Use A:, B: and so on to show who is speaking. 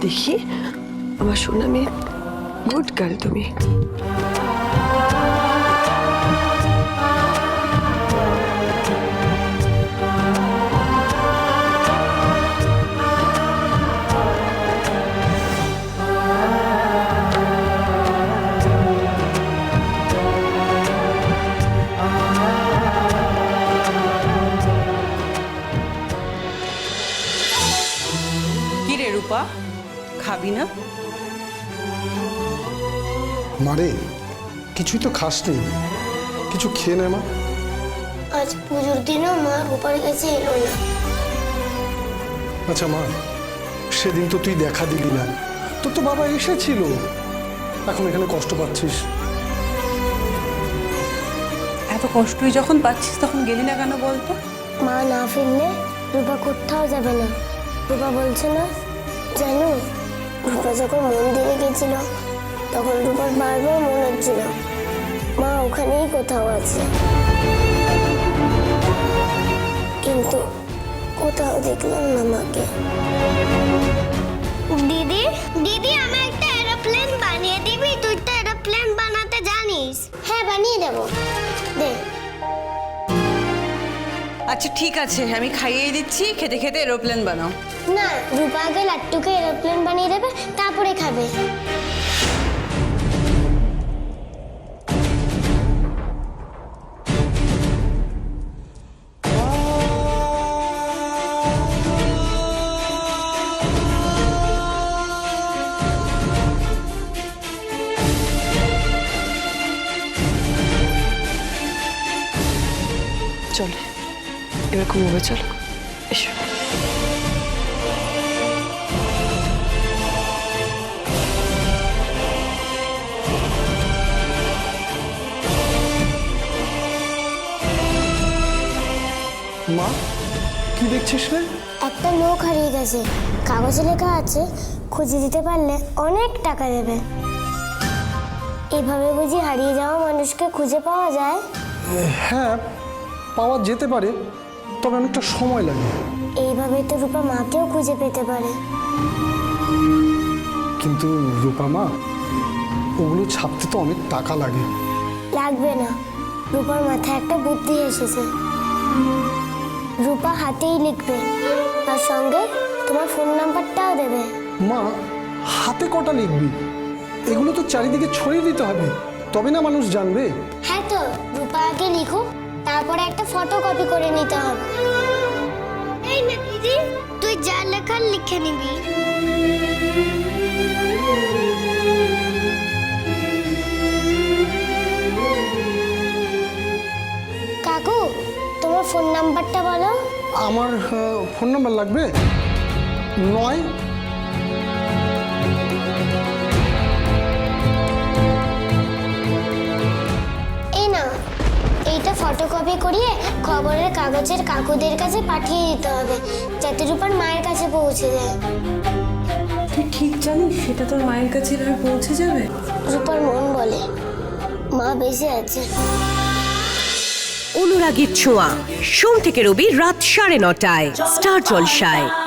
A: দেখি আমার সোনা মেয়ে, গুড গার্ল তুমি।
B: কি রে রূপা, খাবি না?
C: মারে কিছুই তো খাসনি, কিছু খেয়ে নে মা।
D: আজ পুজোর দিনও মা রূপার কাছে এলো না।
C: আচ্ছা মা, সেদিন তো তুই দেখা দিলি না, তোর তো বাবা এসেছিল, এখন এখানে কষ্ট পাচ্ছিস।
B: এত কষ্টই যখন পাচ্ছিস তখন গেলি না কেন বলতো?
D: মা না ফিরলে রূপা কোথাও যাবে না। রূপা বলছে না, জানো রূপা যখন মন্দিরে গেছিল তখন রূপার বারবার মনে হচ্ছিল মা ওখানেই কোথাও আছে, কিন্তু কোথাও দেখলাম না মাকে। দিদি দিদি আমি একটা এরোপ্লেন বানিয়ে দিবি? তুই তো এরোপ্লেন বানাতে জানিস। হ্যাঁ বানিয়ে দেবো, দে।
B: আচ্ছা ঠিক আছে, আমি খাইয়ে দিচ্ছি, খেতে খেতে এরোপ্লেন বানাও।
D: না, রূপা আগে লাট্টুকে এরোপ্লেন বানিয়ে দেবে, তারপরে খাবে।
A: চলো এবার ঘুমোবে, চলো এসো।
C: মা কি দেখছিস রে?
D: একটা লোক হারিয়ে গেছে, কাগজে লেখা আছে খুঁজে দিতে পারলে অনেক টাকা দেবে। এভাবে বুঝি হারিয়ে যাওয়া মানুষকে খুঁজে পাওয়া যায়?
C: হ্যাঁ পাওয়া যেতে পারে, তবে অনেকটা সময় লাগে।
D: এইভাবে তো রূপা মাকেও খুঁজে পেতে পারে।
C: কিন্তু রূপা মা, ওগুলো ছাপতে তো অনেক টাকা লাগে।
D: লাগবে না, রূপার মাথায় একটা বুদ্ধি এসেছে। রূপা হাতেই লিখবে, আর সঙ্গে তোমার ফোন নাম্বারটাও দেবে।
C: মা হাতে কটা লিখবি? এগুলো তো চারিদিকে ছড়িয়ে দিতে হবে, তবে না মানুষ জানবে।
D: হ্যাঁ তো রূপা আগে লিখুক, তারপরে একটা ফটো কপি করে নিতে হবে। এই না দিদি, তুই যা লেখার লিখে নিবি। কাকু তোমার ফোন নাম্বারটা বলো।
C: আমার ফোন নাম্বার লাগবে 9।
D: এই না, এইটা ফটোকপি করিয়ে খবরের কাগজের কাকুদের কাছে পাঠিয়ে দিতে হবে, যাতে রূপার মায়ের কাছে পৌঁছে যায়।
B: তুই ঠিক জানিস সেটা তোর মায়ের কাছে এভাবে পৌঁছে যাবে?
D: রূপার মন বলে মা বেঁচে আছে।
E: অনুরাগীর ছোঁয়া, সোম থেকে রবি রাত 9:30টায় স্টার জলসায়।